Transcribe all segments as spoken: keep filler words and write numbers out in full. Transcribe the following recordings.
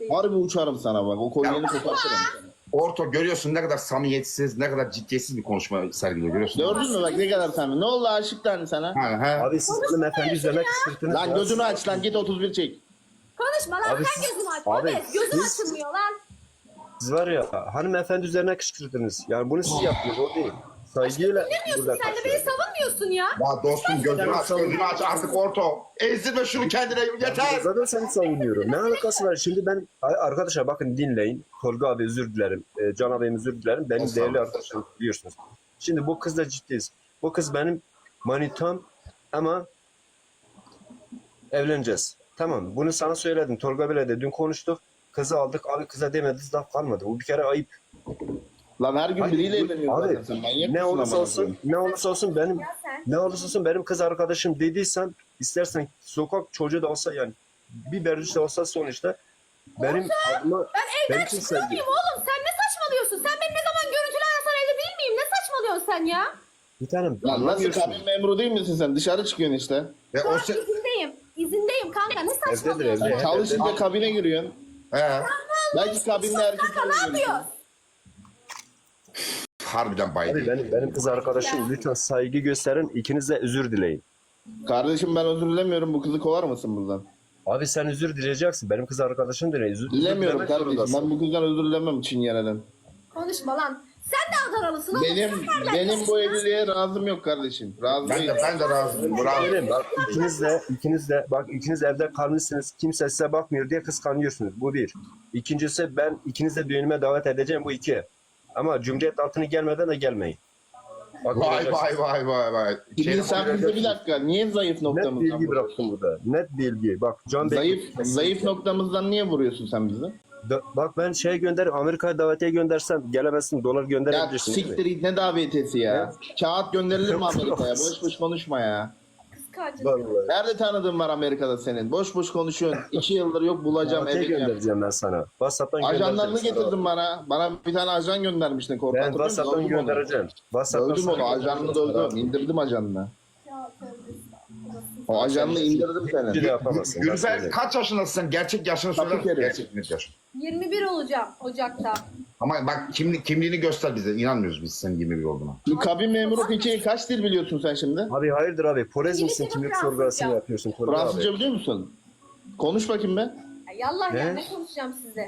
ciddiyim. Harbi uçarım sana bak. O kolyeni kopartırım sana. Orto görüyorsun ne kadar samimiyetsiz, ne kadar ciddiyetsiz bir konuşma sergiliyor görüyorsun. Gördün mü bak ne kadar samimi. Ne oldu aşık tane sana? Ha, ha. Abi siz hanımefendi üzerine kışkırttınız. Lan ya. gözünü aç lan git otuz bir çek. Konuşma lan Abi sen siz- gözümü aç. abi Abi, gözüm siz- açılmıyor lan. Siz var ya hanımefendi üzerine kışkırttınız. Yani bunu siz yapıyorsunuz o değil. Saygıyla Bilmiyorsun burada sen de beni karşılayın. savunmuyorsun ya. Ya dostum gözünü aç, gözünü aç artık Orto. Ezdirme şunu kendine yeter. Zaten seni savunuyorum. Ne alakası var? Şimdi ben arkadaşlar bakın dinleyin. Tolga abi özür dilerim. E, Can abim özür dilerim. Benim Estağfurullah. değerli arkadaşlarım biliyorsunuz. Şimdi bu kızla ciddiyiz. Bu kız benim manitam ama evleneceğiz. Tamam. Bunu sana söyledim. Tolga bile de dün konuştuk. Kızı aldık. Abi kıza demediniz laf kalmadı. Bu bir kere ayıp. Lan her gün Hayır, biriyle bu- evleniyor abi, zaten sen. Manyak Ne mısın olursa amına olsun, koyayım? ne olursa olsun benim Ya sen. ne olursa olsun benim kız arkadaşım dediysen istersen sokak çocuğu da olsa yani bir berduş de olsa sonuçta benim adıma Ben evden için çıkıyor sevgi. muyum oğlum? Sen ne saçmalıyorsun? Sen beni ne zaman görüntülü arasan evde değil miyim? Ne saçmalıyorsun sen ya? Bir tanem Lan nasıl anlamıyorsun. kabin memuru değil misin sen? Dışarı çıkıyorsun işte. Ve Şu o an se... izindeyim. İzindeyim kanka. Ne Evdedir, saçmalıyorsun? evde. Çalışınca kabine giriyorsun. He. Belki kabinde erkeklerle Kanka ne görüşüyorsun. yapıyorsun? Harbiden Abi baydı. benim, benim kız arkadaşım lütfen saygı gösterin. İkiniz de özür dileyin. Kardeşim ben özür dilemiyorum. Bu kızı kovar mısın buradan? Abi sen özür dileyeceksin. Benim kız arkadaşım da ne? Özür Dilemiyorum dilemek kardeşim. zorundasın. Ben bu kızdan özür dilemem Çingene'den. Konuşma lan. Sen de Adanalısın oğlum. Benim Sen nereden benim bu biliyorsun? evliliğe razım yok kardeşim. Razı Ben değilim. de ben de razıyım. Bravo. Benim, bak ikiniz de ikiniz de bak ikiniz evde kalmışsınız. Kimse size bakmıyor diye kıskanıyorsunuz. Bu bir. İkincisi ben ikiniz de düğünüme davet edeceğim bu iki. Ama Cumhuriyet altını gelmeden de gelmeyin. Bak, Vay göreceksin. vay vay vay vay. Şimdi Şey- sen bize bir dakika. Niye zayıf Net noktamızdan bilgi bıraktım burada. Net bilgi. Bak Can Bey. Zayıf, zayıf noktamızdan niye vuruyorsun sen bizi? Da- bak ben şey gönder Amerika'ya davetiye göndersem gelemezsin. Dolar Ya gönderebilirsin. değil mi? siktir git ne davetiyesi ya. Kağıt gönderilir mi Amerika'ya? Boş boş konuşma ya. Kıskancın. Vallahi. Nerede tanıdığın var Amerika'da senin? Boş boş konuşuyorsun. İki yıldır yok bulacağım Davetiye edeceğim. göndereceğim ben sana. WhatsApp'tan Ajanlarını göndereceğim sana. getirdin bana. Bana bir tane ajan göndermiştin korku. Ben hatırlıyor musun? WhatsApp'tan Dövdüm onu. göndereceğim. WhatsApp'tan Dövdüm onu. sana Ajanını göndereceğim. dövdüm. İndirdim ajanını. Ya, tövbe O ajanını indirdim Bir senin. de yapamazsın. ben Gülfer söyleyeyim. kaç yaşındasın sen? Gerçek yaşını söyler Kapı misin? kere. Gerçek net yaşın. yirmi bir olacağım Ocak'ta. Ama bak kimli, kimliğini göster bize. İnanmıyoruz biz senin yirmi bir olduğuna. Bu kabin memuru peki kaç dil biliyorsun sen şimdi? Abi hayırdır abi? Polis misin? İngilizce Kimlik Fransızca. sorgulasını yapıyorsun. Tolga Fransızca abi. biliyor musun? Konuş bakayım be. Ya, yallah ya Ne? ne konuşacağım size?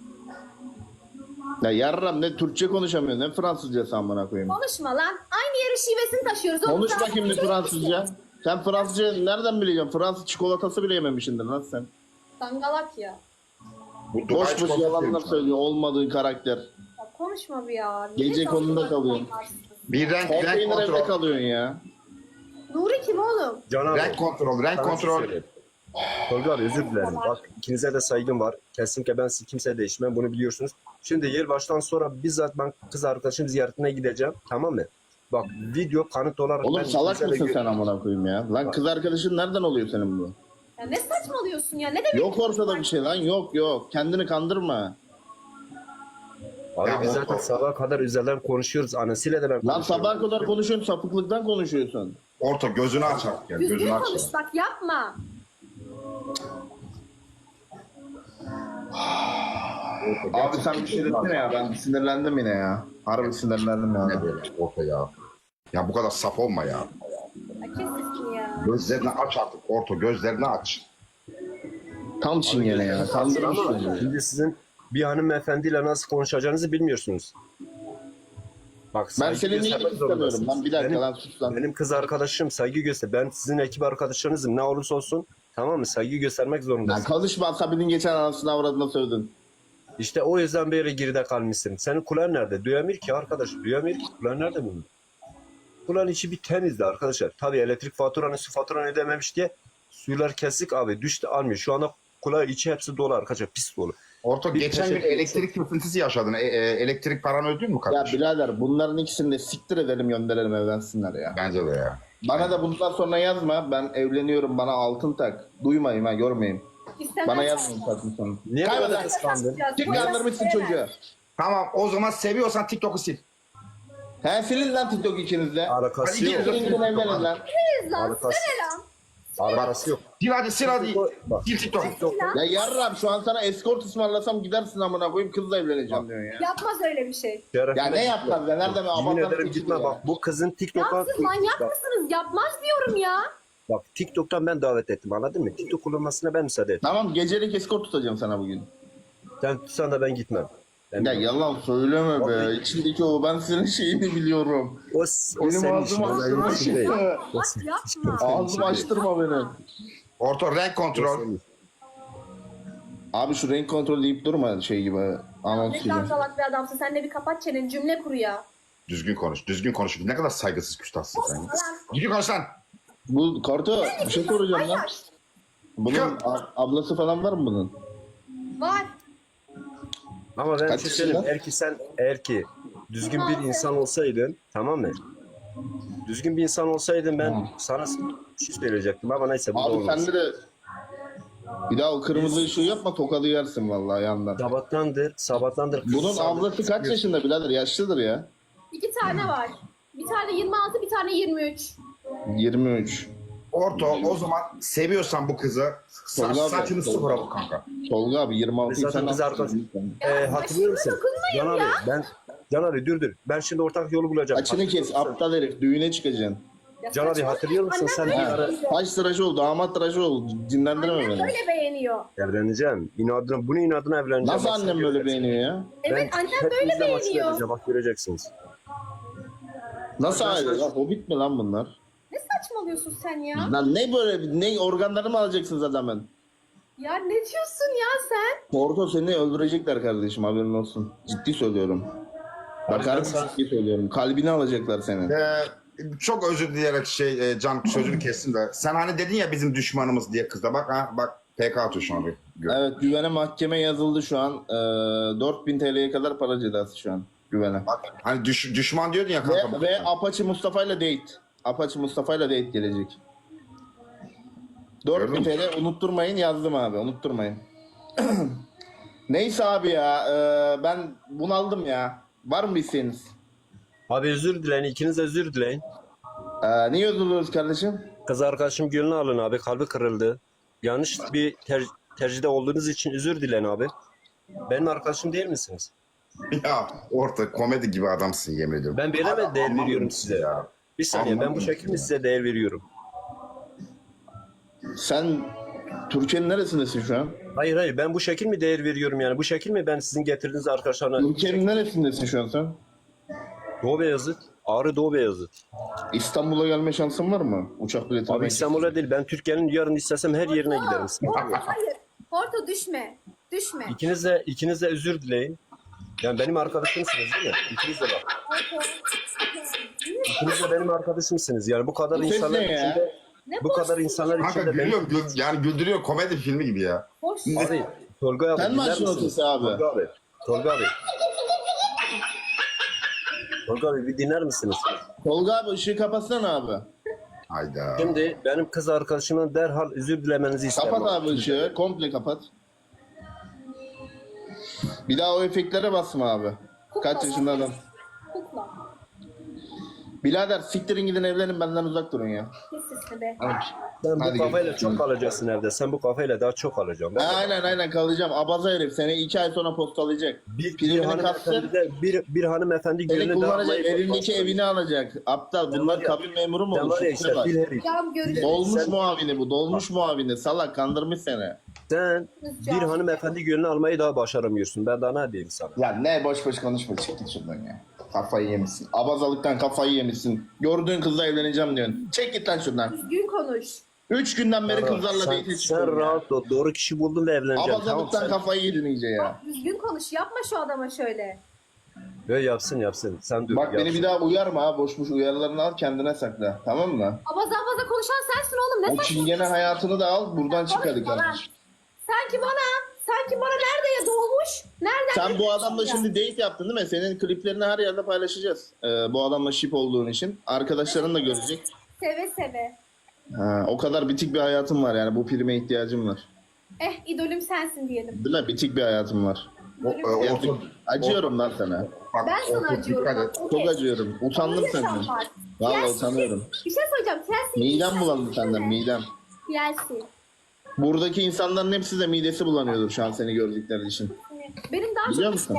Ya yarram ne Türkçe konuşamıyorsun ne Fransızca amına koyayım. Konuşma lan. Aynı yerin şivesini taşıyoruz. oğlum. Konuş Sen bakayım bir konuşuyor Fransızca. musun? Sen Fransızca nereden bileceksin? Fransız çikolatası bile yememişsindir lan sen. Dangalak ya. Bu Dubai Boş boş çikolatası yalanlar yemiş. söylüyor olmadığı karakter. Ya konuşma bir ya. Gece Ne konuda saçma kalıyorsun. adamlarsın. Bir renk, renk Konteyner evde kontrol. kalıyorsun ya. Nuri kim oğlum? Can abi. Renk kontrol, renk sana bir şey kontrol. söyleyeyim. Tolga abi özür dilerim. Bak ikinize de saygım var. Kesinlikle ben sizi kimseye değişmem. Bunu biliyorsunuz. Şimdi yılbaştan sonra bizzat ben kız arkadaşım ziyaretine gideceğim. Tamam mı? Bak video kanıt olarak Oğlum ben salak ikinize de mısın sen gö- amına koyayım ya? Lan kız arkadaşın nereden oluyor senin bu? Ya ne saçmalıyorsun ya? Ne demek? Yok ortada bir şey lan yok yok. Kendini kandırma. Abi Ya biz o- zaten o- sabaha kadar üzerinden konuşuyoruz. Anasıyla da ben Lan konuşuyorum. sabah kadar konuşuyorsun sapıklıktan konuşuyorsun. Orta gözünü aç artık. Yani. Düzgün Gözünü aç. konuş bak yapma. Abi sen bir şey desene ya ben sinirlendim yine ya. Harbi sinirlendim ya. Ne böyle Orta ya. Ya bu kadar saf olma ya. Ya kes sesini ya. Gözlerini aç artık Orta. Gözlerini aç. Tam çingene ya. Kandırmış beni. Şimdi sizin bir hanımefendiyle nasıl konuşacağınızı bilmiyorsunuz. Bak, Ben saygı seninle göstermek ilgili istemiyorum. zorundasınız. Lan bir dakika benim, lan sus lan. benim kız arkadaşım saygı göster. Ben sizin ekip arkadaşlarınızım ne olursa olsun tamam mı? Saygı göstermek Lan zorundasın. konuşma Asabinin geçen anasını avradına sövdün. İşte o yüzden böyle geride kalmışsın. Senin kulağın nerede? Duyamıyor ki arkadaş. Duyamıyor ki. Kulağın nerede bunun? Kulağın içi bir temizdi arkadaşlar. Tabii elektrik faturanı, su faturanı ödememiş diye suylar kesik abi. Düştü almıyor. Şu anda kulağı içi hepsi dolu arkadaşlar. Pis dolu. Orta Bir geçen gün teşekkür elektrik kesintisi yaşadın. E, e, elektrik paranı ödedin mi Ya kardeşim? birader bunların ikisini de siktir edelim gönderelim evlensinler ya. Bence de ya. Bana da bundan sonra yazma. Ben evleniyorum bana altın tak. Duymayayım ha görmeyeyim. İstemez Bana sen. yazmayın sakın sonra. Niye Kaybeder. böyle kıskandın? Kim kandırmışsın çocuğu? Tamam o zaman seviyorsan TikTok'u sil. He silin lan TikTok ikiniz de. Alakası Hadi yok. gelin. Silin gidin evlenin lan. Siz lan Arkadaş- size ne lan? Arkası yok. Sil hadi sil hadi. Bak. Sil TikTok. Ya yarrab şu an sana escort ısmarlasam gidersin amına koyayım kızla evleneceğim diyorsun ya. Yapmaz öyle bir şey. Ya ne yapmaz ya? Nerede mi? Yemin Abartan ederim seçim gitme ya. bak. Bu kızın TikTok'a... Ya siz manyak mısınız? Yapmaz diyorum ya. Bak TikTok'tan ben davet ettim anladın mı? TikTok kullanmasına ben müsaade ettim. Tamam gecelik escort tutacağım sana bugün. Sen tutsan da ben gitmem. Ben Ya yalan söyleme be. İçindeki o ben senin şeyini biliyorum. O, o Benim senin işin. ağzımı O benim açtırma işim değil. şimdi. O Bak senin yapma. işin. Ağzımı açtırma beni. Orta renk O kontrol. senin. Abi şu renk kontrol deyip durma şey gibi. Anons Ne gibi. kadar salak bir adamsın. Sen de bir kapat çeneni, cümle kur ya. Düzgün konuş. Düzgün konuş. Ne kadar saygısız küstahsın sen. ya. Lan. Düzgün konuş lan. Bu kartı bir şey soracağım lan. Hayır. Bunun a- ablası falan var mı bunun? Var. Ama ben bir Kaç şey söyleyeyim. yaşında? Eğer ki sen eğer ki düzgün bir insan olsaydın tamam mı? Düzgün bir insan olsaydın ben sana bir şey söyleyecektim ama neyse bu da Abi olmaz. sende de bir daha o kırmızı ışığı yapma tokadı yersin vallahi yandan. Sabahtandır, sabahtandır. kız Bunun sağlık ablası kaç istiyor. yaşında birader? Yaşlıdır ya. İki tane var. Bir tane yirmi altı, bir tane yirmi üç. yirmi üç. Orta o zaman seviyorsan bu kızı sa- Tolga abi, saçını Tolga. sıfıra bu kanka. Tolga abi yirmi altı Biz zaten biz arkadaş- Ee, hatırlıyor musun? Can abi ben Can abi dur dur. Ben şimdi ortak yolu bulacağım. Açını kes aptal herif düğüne çıkacaksın. Ya Can abi saçmalama. hatırlıyor musun Annem sen böyle bir ara beğeniyor. Taş tıraşı ol damat tıraşı ol dinlendirme Annem beni. böyle beğeniyor. evleneceğim. İnadına, bunu inadına evleneceğim. Nasıl Bak, annem sen böyle göreceksin. beğeniyor ya? Evet Ben annem böyle hepinizle maç beğeniyor. vereceğim, bak göreceksiniz. Nasıl Ben aile sana- lan? Hobbit mi lan bunlar? Ne saçmalıyorsun sen ya? Lan ne böyle ne organları mı alacaksınız adamın? Ya ne diyorsun ya sen? Porto seni öldürecekler kardeşim haberin olsun. Ciddi söylüyorum. Bakar ben mısın sana- ciddi söylüyorum. Kalbini alacaklar senin. Ee, çok özür dileyerek şey e, Can sözünü kestim de. Sen hani dedin ya bizim düşmanımız diye kızda bak ha bak P K atıyor şu an bir. Gör. Evet güvene mahkeme yazıldı şu an. Ee, dört bin T L'ye kadar para cezası şu an güvene. Bak, hani düş, düşman diyordun ya kanka. Ve, bak. ve Apache Mustafa ile date. Apache Mustafa ile date gelecek. dört bin Gördün T L unutturmayın yazdım abi unutturmayın. Neyse abi ya e, ben bunaldım ya. Var mı bir isteğiniz? Abi özür dileyin, ikiniz de özür dileyin. Ee, niye üzülüyoruz kardeşim? Kız arkadaşım gönlünü alın abi, kalbi kırıldı. Yanlış bir ter tercihde olduğunuz için özür dileyin abi. Benim arkadaşım değil misiniz? Ya orta komedi gibi adamsın yemin ediyorum. Ben böyle mi Adam değer anlamıyor veriyorum musun size? ya? Bir saniye, ben bu Anlamıyorum şekilde mi ya. size değer veriyorum? Sen Türkiye'nin neresindesin şu an? Hayır hayır, ben bu şekil mi değer veriyorum yani? Bu şekil mi ben sizin getirdiğiniz arkadaşlarına? Türkiye'nin neresindesin şu an sen? Doğu Beyazıt, Ağrı Doğu Beyazıt. İstanbul'a gelme şansın var mı? Uçak bileti Abi almak İstanbul'a değil, ben Türkiye'nin yarın istesem her yerine giderim. Porto hayır. Porto düşme. Düşme. İkiniz de, ikiniz de özür dileyin. Yani benim arkadaşımsınız değil mi? İkiniz de bak. Porto. İkiniz de benim arkadaşımsınız. Yani bu kadar Bu ses insanlar ne ya? içinde, Ne bu boş kadar bir- insanlar Kanka içinde gülüyor, benim... gül- yani güldürüyor komedi filmi gibi ya. Boş. Abi, Tolga abi Sen mi dinler açtın o misiniz? sesi abi? Tolga abi, Tolga abi. Tolga abi bir dinler misiniz? Tolga abi ışığı kapatsana abi. Hayda. Şimdi benim kız arkadaşımın derhal özür dilemenizi isterim. Kapat abi ışığı. Komple kapat. Bir daha o efektlere basma abi. Kaç yaşında adam? Kukla. Birader siktirin gidin evlenin benden uzak durun ya. Kes sesini be. Sen bu Hadi kafayla görüşürüz. çok kalacaksın evde. Sen bu kafayla daha çok alacaksın. Ha, aynen aynen kalacağım. Abaza herif seni iki ay sonra postalayacak. Bir, bir Primini hanımefendi kapsın. de bir, bir hanımefendi Seni gönlünü kullanacak. dağılmayı Elindeki evini alacak. Aptal. Sen Bunlar var ya- kabin memuru mu Sen olur? var ya Şuna işte bak. fil herif. Cam görüşürüz. Dolmuş Sen- muavini bu. Dolmuş muavini. Salak kandırmış seni. Sen Can. bir hanımefendi gönlünü almayı daha başaramıyorsun. Ben daha ne diyeyim sana? Ya ne boş boş konuşma. Çık git şuradan ya. Kafayı yemişsin. Abazalıktan kafayı yemişsin. Gördüğün kızla evleneceğim diyorsun. Çek git lan şuradan. Düzgün konuş. Üç günden beri kızlarla sen, date sen çıkıyorum ya. rahat ol. Doğru kişi buldun ve evleneceksin. Tamam Abazalıktan sen. kafayı yedin iyice ya. Bak düzgün konuş. Yapma şu adama şöyle. Böyle yapsın yapsın. Sen dur. Bak beni yapsın. bir daha uyarma ha. Boş boş uyarılarını al kendine sakla. Tamam mı? Abaza abaza konuşan sensin oğlum. Ne O çingene saçmalıyorsun? hayatını da al. Buradan çık hadi Konuşma lan. kardeşim. Sanki bana, sanki bana nerede ya doğmuş? Nereden? Sen bu biliyorsun adamla ya? şimdi date yaptın değil mi? Senin kliplerini her yerde paylaşacağız. Ee, bu adamla ship olduğun için. Arkadaşların da görecek. Seve seve. Ha, o kadar bitik bir hayatım var yani. Bu prime ihtiyacım var. Eh idolüm sensin diyelim. Değil mi? Bitik bir hayatım var. O, e, orta, Acıyorum lan sana. bak, Ben sana orta, acıyorum. dikkat et. Bak, okey. Çok acıyorum. Utandım Öyle senden. yaşam var. Vallahi Ya utanıyorum. Bir şey söyleyeceğim. Sen Midem bulandı senden midem. Yersin. Buradaki insanların hepsi de midesi bulanıyordur şu an seni gördükleri için. Benim daha Biliyor çok musun?